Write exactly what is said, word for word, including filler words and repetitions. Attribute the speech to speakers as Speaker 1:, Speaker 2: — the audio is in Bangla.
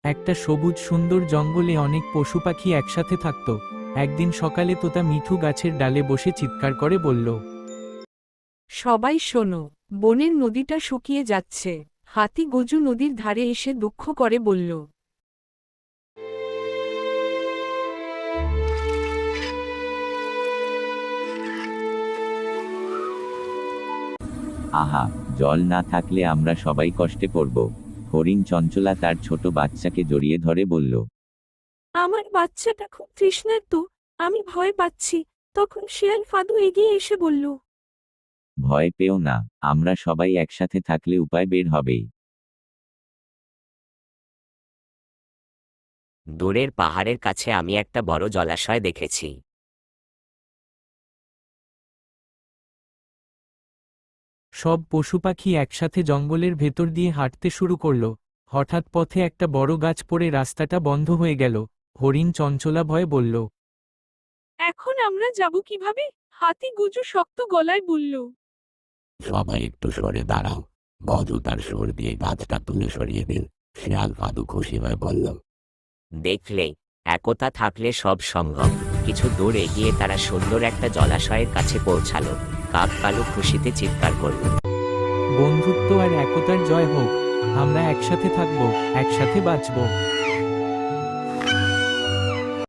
Speaker 1: একটা সবুজ সুন্দর জঙ্গলে অনেক পশু পাখি একসাথে থাকত। একদিন সকালে তোতা মিঠু গাছের ডালে বসে চিৎকার করে বলল,
Speaker 2: সবাই শোনো, বনের নদীটা শুকিয়ে যাচ্ছে। হাতি গজু নদীর ধারে এসে দুঃখ করে বলল,
Speaker 3: আহা, জল না থাকলে আমরা সবাই কষ্টে পড়ব। হরিণ চঞ্চলা তার ছোট বাচ্চাকে জড়িয়ে ধরে বলল,
Speaker 2: আমার বাচ্চাটা খুব তৃষ্ণার্ত, আমি ভয় পাচ্ছি। তখন শিয়াল ফাদু এগিয়ে এসে বলল,
Speaker 3: ভয় পেও না, আমরা সবাই একসাথে থাকলে উপায় বের হবেই।
Speaker 4: দূরের পাহাড়ের কাছে আমি একটা বড় জলাশয় দেখেছি।
Speaker 1: সব পশু পাখি একসাথে জঙ্গলের ভেতর দিয়ে হাঁটতে শুরু করল। হঠাৎ পথে একটা বড় গাছ পড়ে রাস্তাটা বন্ধ হয়ে গেল। হরিণ চঞ্চলা ভয়ে বলল,
Speaker 2: এখন আমরা যাব কিভাবে? হাতি গজু শক্ত গলায় বলল,
Speaker 5: সবাই একটু সরে দাঁড়াও। বজু তার সুর দিয়ে গাছটা তুলে সরিয়ে দিল। শিয়াল ফাদু খুশি হয়ে বলল,
Speaker 4: দেখলে, একতা থাকলে সব সম্ভব। কিছু দূর এগিয়ে তারা সুন্দর একটা জলাশয়ের কাছে পৌঁছালো। কাক কালু খুশিতে চিৎকার করল,
Speaker 1: বন্ধুত্ব আর একতার জয় হোক। আমরা একসাথে থাকব, একসাথে বাঁচব।